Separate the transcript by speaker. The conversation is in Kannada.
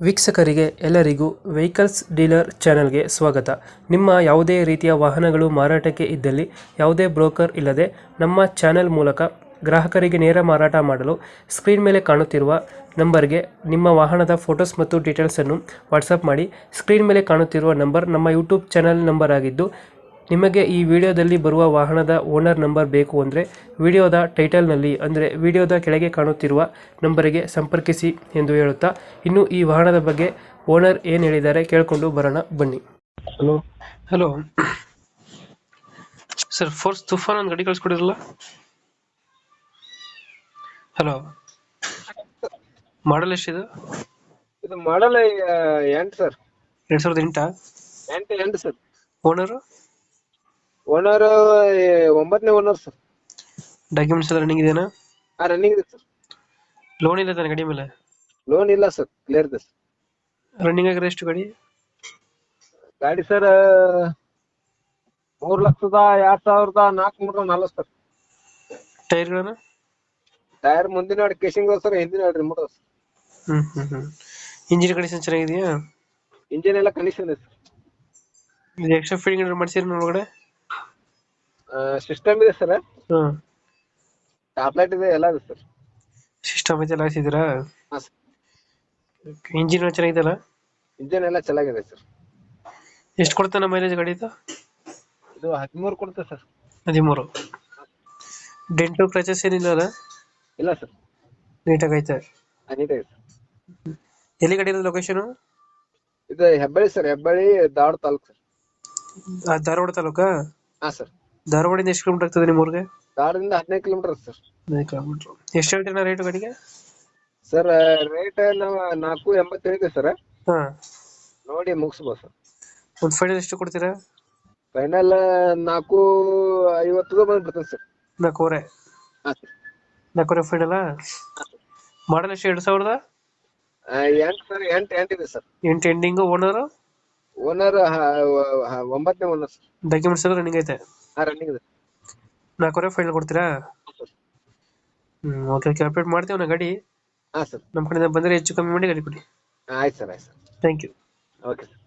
Speaker 1: ವೀಕ್ಷಕರಿಗೆ ಎಲ್ಲರಿಗೂ ವೆಹಿಕಲ್ಸ್ ಡೀಲರ್ ಚಾನೆಲ್ಗೆ ಸ್ವಾಗತ. ನಿಮ್ಮ ಯಾವುದೇ ರೀತಿಯ ವಾಹನಗಳು ಮಾರಾಟಕ್ಕೆ ಇದ್ದಲ್ಲಿ ಯಾವುದೇ ಬ್ರೋಕರ್ ಇಲ್ಲದೆ ನಮ್ಮ ಚಾನೆಲ್ ಮೂಲಕ ಗ್ರಾಹಕರಿಗೆ ನೇರ ಮಾರಾಟ ಮಾಡಲು ಸ್ಕ್ರೀನ್ ಮೇಲೆ ಕಾಣುತ್ತಿರುವ ನಂಬರ್ಗೆ ನಿಮ್ಮ ವಾಹನದ ಫೋಟೋಸ್ ಮತ್ತು ಡೀಟೇಲ್ಸನ್ನು ವಾಟ್ಸಪ್ ಮಾಡಿ. ಸ್ಕ್ರೀನ್ ಮೇಲೆ ಕಾಣುತ್ತಿರುವ ನಂಬರ್ ನಮ್ಮ ಯೂಟ್ಯೂಬ್ ಚಾನೆಲ್ ನಂಬರ್ ಆಗಿದ್ದು, ನಿಮಗೆ ಈ ವಿಡಿಯೋದಲ್ಲಿ ಬರುವ ವಾಹನದ ಓನರ್ ನಂಬರ್ ಬೇಕು ಅಂದರೆ ವಿಡಿಯೋದ ಟೈಟಲ್ನಲ್ಲಿ ಅಂದರೆ ವಿಡಿಯೋದ ಕೆಳಗೆ ಕಾಣುತ್ತಿರುವ ನಂಬರಿಗೆ ಸಂಪರ್ಕಿಸಿ ಎಂದು ಹೇಳುತ್ತಾ, ಇನ್ನು ಈ ವಾಹನದ ಬಗ್ಗೆ ಓನರ್ ಏನು ಹೇಳಿದ್ದಾರೆ ಕೇಳಿಕೊಂಡು ಬರೋಣ ಬನ್ನಿ.
Speaker 2: Hello
Speaker 1: hello sir, Force Toofan ಒಂದು ಗಾಡಿ ಕಳಿಸ್ಕೊಡಿರಲ್ಲ. ಹಲೋ, ಮಾಡಲ್ ಎಷ್ಟಿದೆ?
Speaker 2: ಇದು model 8 sir.
Speaker 1: 2008.
Speaker 2: 8 sir.
Speaker 1: Owner
Speaker 2: owner 9ನೇ ಓನರ್ ಸರ್.
Speaker 1: ಡಾಕ್ಯುಮೆಂಟ್ಸ್ ಎಲ್ಲ ರನ್ನಿಂಗ್ ಇದೆಯಾ?
Speaker 2: ರನ್ನಿಂಗ್ ಇದೆ ಸರ್.
Speaker 1: ಲೋನ್ ಇಲ್ಲ ತಾನೆ ಗಾಡಿ ಮೇಲೆ?
Speaker 2: ಲೋನ್ ಇಲ್ಲ ಸರ್, ಕ್ಲಿಯರ್ ಇದೆ ಸರ್.
Speaker 1: ರನ್ನಿಂಗ್ ಆಗಿರೋ ಎಷ್ಟು ಗಾಡಿ?
Speaker 2: ಗಾಡಿ ಸರ್ 3,02,440 ಸರ್.
Speaker 1: ಟೈರ್ಗಳನ್ನು?
Speaker 2: ಟೈರ್ ಮುಂದಿನ ಕೇಸಿಂಗ್ ಸರ್, ಹಿಂದಿನ ರಿಮೋಟ್ ಸರ್.
Speaker 1: ಇಂಜಿನ್ ಕಂಡೀಷನ್ ಚೆನ್ನಾಗಿದೆಯಾ?
Speaker 2: ಇಂಜಿನ್ ಎಲ್ಲ ಕಂಡೀಷನ್ ಇದೆ ಸರ್.
Speaker 1: ಇದು ಎಕ್ಸ್ಟ್ರಾ ಫಿಟ್ಟಿಂಗ್ ಏನಾದ್ರು ಮಾಡ್ಸಿದ್ರೆ ಒಳಗಡೆ?
Speaker 2: ಸಿಸ್ಟಮ್ ಇದೆ ಸರ್.
Speaker 1: ಹಾಂ,
Speaker 2: ಟಾಪ್ ಲೈಟ್ ಇದೆ, ಎಲ್ಲ ಇದೆ ಸರ್.
Speaker 1: ಸಿಸ್ಟಮ್ ಐತೆ ಎಲ್ಲ ಹಾಕ್ಸಿದ್ದೀರಾ?
Speaker 2: ಹಾಂ ಸರ್.
Speaker 1: ಇಂಜಿನ್ ಚೆನ್ನಾಗಿದೆಯಲ್ಲ?
Speaker 2: ಇಂಜಿನ್ ಎಲ್ಲ ಚೆನ್ನಾಗಿದೆ ಸರ್.
Speaker 1: ಎಷ್ಟು ಕೊಡ್ತಾನೆ ಮೈಲೇಜ್ ಗಾಡಿ ಇದು?
Speaker 2: ಇದು 13 ಕೊಡುತ್ತೆ ಸರ್.
Speaker 1: 13. ಡೆಂಟು ಕ್ರಚಸ್ ಏನಿಲ್ಲ ಅಲ್ಲ?
Speaker 2: ಇಲ್ಲ ಸರ್,
Speaker 1: ನೀಟಾಗಿ ಐತೆ.
Speaker 2: ನೀಟಾಗಿದೆ ಸರ್.
Speaker 1: ಎಲ್ಲಿ ಗಾಡಿ ಇರೋದು ಲೊಕೇಶನು?
Speaker 2: ಇದು ಹೆಬ್ಬಳ್ಳಿ ಸರ್, ಹೆಬ್ಬಳ್ಳಿ ಧಾರವಾಡ ತಾಲೂಕು ಸರ್.
Speaker 1: ಧಾರವಾಡ ತಾಲೂಕಾ?
Speaker 2: ಹಾಂ ಸರ್.
Speaker 1: ಧಾರವಾಡಿಂದ ಎಷ್ಟು ಕಿಲೋಮೀಟರ್ ಆಗ್ತದೆ ನಿಮ್ಮ ಊರಿಗೆ?
Speaker 2: ಧಾರವಾಡದಿಂದ 15 ಕಿಲೋಮೀಟರ್ ಸರ್.
Speaker 1: 15 ಕಿಲೋಮೀಟರ್. ಎಷ್ಟು ಹೇಳ್ತೀರಾ ರೇಟು ಗಾಡಿಗೆ?
Speaker 2: ಸರ್ ರೇಟ್ ನಾವು 4.80 ಹೇಳಿದೆ ಸರ್.
Speaker 1: ಹಾಂ,
Speaker 2: ನೋಡಿ ಮುಗಿಸ್ಬೋದು ಸರ್.
Speaker 1: ಒಂದು ಫೈನಲ್ ಎಷ್ಟು ಕೊಡ್ತೀರಾ?
Speaker 2: ಫೈನಲ್ 4.50 ಬಂದು ಬಿಡ್ತೇನೆ ಸರ್.
Speaker 1: 4.25.
Speaker 2: ಹಾಂ ಸರ್.
Speaker 1: 4.25 ಫೈನಲ್ಲ? ಮಾಡಲ್ ಎಷ್ಟು? 2000?
Speaker 2: 8 ಸರ್. 8 ಇದೆ ಸರ್.
Speaker 1: 8 ಎಂಡಿಂಗು. ಓನರು?
Speaker 2: ಓನರ್ 9ನೇ ಓನರ್ ಸರ್.
Speaker 1: ಡಾಕ್ಯುಮೆಂಟ್ಸ್ ಎಲ್ಲ ರನ್ನಿಂಗ್ ಐತೆ?
Speaker 2: ರನ್ನಿಂಗ್ ಇದೆ.
Speaker 1: 4.25 ಫೈನಲ್ ಕೊಡ್ತೀರಾ? ಓಕೆ ಓಕೆ, ಅಪ್ಡೇಟ್ ಮಾಡ್ತೀವಿ ನಾ ಗಾಡಿ.
Speaker 2: ಹಾಂ ಸರ್.
Speaker 1: ನಮ್ಮ ಕಡೆಯಿಂದ ಬಂದರೆ ಹೆಚ್ಚು ಕಮ್ಮಿ ಮಾಡಿ ಗಾಡಿ ಕೊಡಿ.
Speaker 2: ಆಯ್ತು ಸರ್, ಆಯ್ತು sir.
Speaker 1: Thank you.
Speaker 2: Okay sir.